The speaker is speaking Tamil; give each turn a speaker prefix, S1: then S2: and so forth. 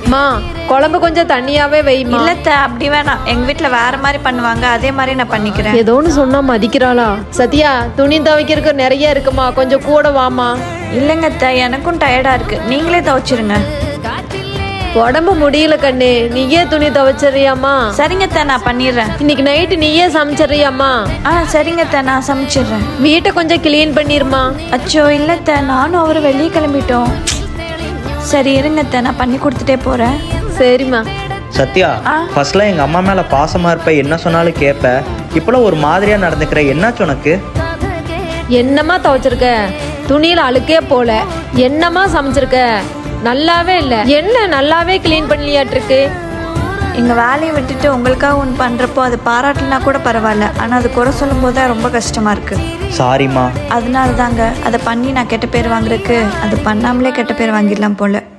S1: மா குழம்பு கொஞ்சம் தண்ணியாவே வைமா.
S2: இல்லத்த அப்படி வேணாம், எங்க வீட்டுல வேற மாதிரி பண்ணுவாங்க, அதே மாதிரி நான் பண்ணிக்கிறேன்.
S1: ஏதோ ஒன்று சொன்னா மதிக்கிறாளா? சத்யா துணி துவைக்கிறதுக்கு நிறைய இருக்குமா, கொஞ்சம் கூட வாமா.
S2: இல்லைங்க அத்தை, எனக்கும் டயர்டா இருக்கு, நீங்களே துவைச்சிருங்க.
S1: உடம்பு முடியல கண்ணு, நீயே துணி துவைச்சிடுறியாமா?
S2: சரிங்க அத்தை, நான் பண்ணிடுறேன்.
S1: இன்னைக்கு நைட்டு நீயே சமைச்சிடுறியாமா?
S2: சரிங்க அத்தை, நான் சமைச்சிடுறேன்.
S1: வீட்டை கொஞ்சம் கிளீன் பண்ணிருமா.
S2: அச்சோ இல்லத்த, நானும் அவரு வெளியே கிளம்பிட்டோம். சரி இருங்க அத்தை, நான் பண்ணி கொடுத்துட்டே போறேன்.
S1: சரிம்மா.
S3: சத்யா, ஃபர்ஸ்ட்லாம் எங்கள் அம்மா மேலே பாசமாக இருப்ப, என்ன சொன்னாலும் கேட்ப. இப்போலாம் ஒரு மாதிரியாக நடந்துக்கிற, என்னாச்சு உனக்கு?
S1: என்னம்மா துவைச்சிருக்க? துணியில அழுக்கே போல. என்னம்மா சமைச்சிருக்க? நல்லாவே இல்லை. என்ன நல்லாவே கிளீன் பண்ணலையாட்டிருக்கு?
S2: எங்க வேலையை விட்டுட்டு உங்களுக்காக ஒன்று பண்றப்போ அது பாராட்டலனா கூட பரவாயில்ல, ஆனா அது குறை சொல்லும் போது தான் ரொம்ப கஷ்டமா இருக்கு.
S3: சாரிம்மா.
S2: அதனால தாங்க அதை பண்ணி நான் கெட்ட பேர் வாங்குறதுக்கு அது பண்ணாமலே கெட்ட பேர் வாங்கிடலாம் போல.